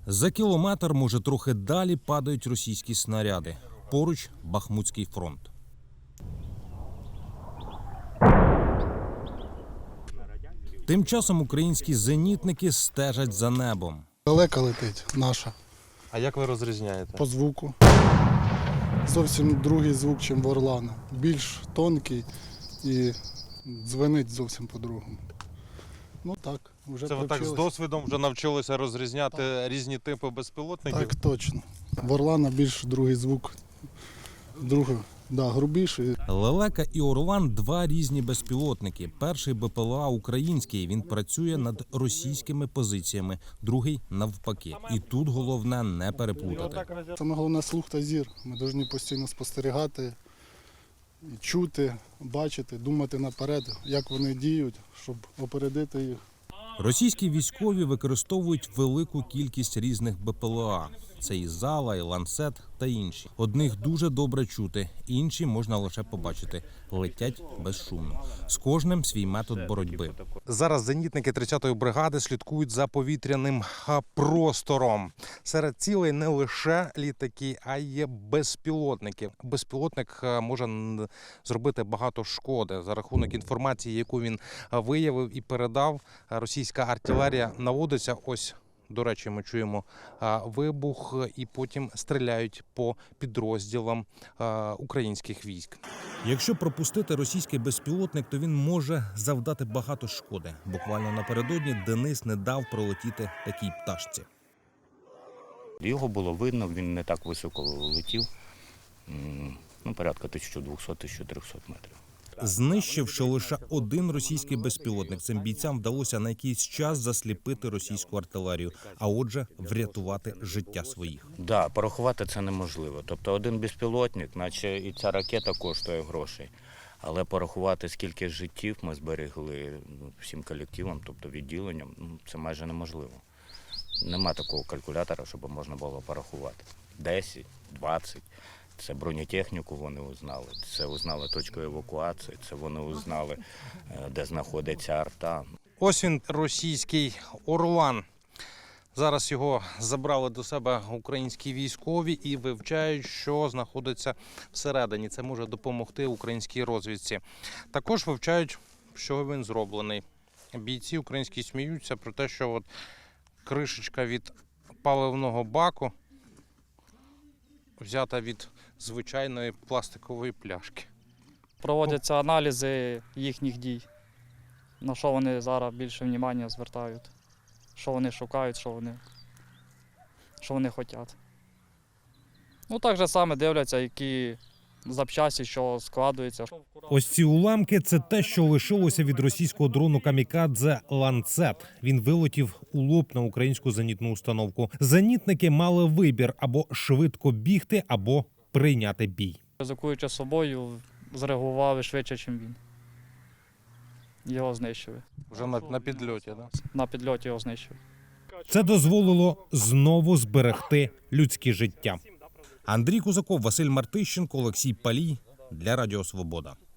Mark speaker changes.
Speaker 1: За кілометр, може трохи далі, падають російські снаряди. Поруч – Бахмутський фронт. Тим часом українські зенітники стежать за небом.
Speaker 2: Далека летить наша.
Speaker 3: А як ви розрізняєте?
Speaker 2: По звуку. Зовсім другий звук, ніж в Орлана. Більш тонкий і дзвенить зовсім по-другому. Ну так, вже
Speaker 3: Це ви так з досвідом вже навчилися розрізняти різні типи безпілотників?
Speaker 2: Так, точно. В Орлана більш другий звук. Грубіший.
Speaker 1: Лелека і Орлан – два різні безпілотники. Перший БПЛА український, він працює над російськими позиціями, другий – навпаки. І тут головне не переплутати.
Speaker 2: Саме головне – слух та зір. Ми повинні постійно спостерігати, чути, бачити, думати наперед, як вони діють, щоб опередити їх.
Speaker 1: Російські військові використовують велику кількість різних БПЛА. Це і Зала, і Ланцет та інші. Одних дуже добре чути, інші можна лише побачити. Летять безшумно. З кожним свій метод боротьби.
Speaker 3: Зараз зенітники 30-ї бригади слідкують за повітряним простором. Серед цілей не лише літаки, а й безпілотники. Безпілотник може зробити багато шкоди. За рахунок інформації, яку він виявив і передав, російська артилерія наводиться. Ось, до речі, ми чуємо вибух і потім стріляють по підрозділам українських військ.
Speaker 1: Якщо пропустити російський безпілотник, то він може завдати багато шкоди. Буквально напередодні Денис не дав пролетіти такій пташці.
Speaker 4: Його було видно, він не так високо летів, порядка 1200-1300 метрів.
Speaker 1: Знищивши лише один російський безпілотник, цим бійцям вдалося на якийсь час засліпити російську артилерію, а отже, врятувати життя своїх.
Speaker 4: Так, порахувати це неможливо. Тобто один безпілотник, наче і ця ракета коштує грошей. Але порахувати, скільки життів ми зберегли всім колективам, тобто відділенням, це майже неможливо. Нема такого калькулятора, щоб можна було порахувати. 10, 20. Це бронетехніку вони узнали, це узнали точку евакуації, це вони узнали, де знаходиться арта.
Speaker 3: Ось він, російський Орлан. Зараз його забрали до себе українські військові і вивчають, що знаходиться всередині. Це може допомогти українській розвідці. Також вивчають, що він зроблений. Бійці українські сміються про те, що от кришечка від паливного баку взята від звичайної пластикової пляшки.
Speaker 5: Проводяться аналізи їхніх дій, на що вони зараз більше уваги звертають, що вони шукають, що вони хочуть. Так же саме дивляться, які запчасті, що складуються.
Speaker 1: Ось ці уламки – це те, що лишилося від російського дрону камікадзе «Ланцет». Він вилетів у лоб на українську зенітну установку. Зенітники мали вибір – або швидко бігти, або прийняти бій.
Speaker 5: Ризикуючи собою, зреагували швидше, ніж він. Його знищили.
Speaker 3: Вже на підльоті, так?
Speaker 5: На підльоті його знищили.
Speaker 1: Це дозволило знову зберегти людське життя. Андрій Кузаков, Василь Мартищенко, Олексій Палій для Радіо Свобода.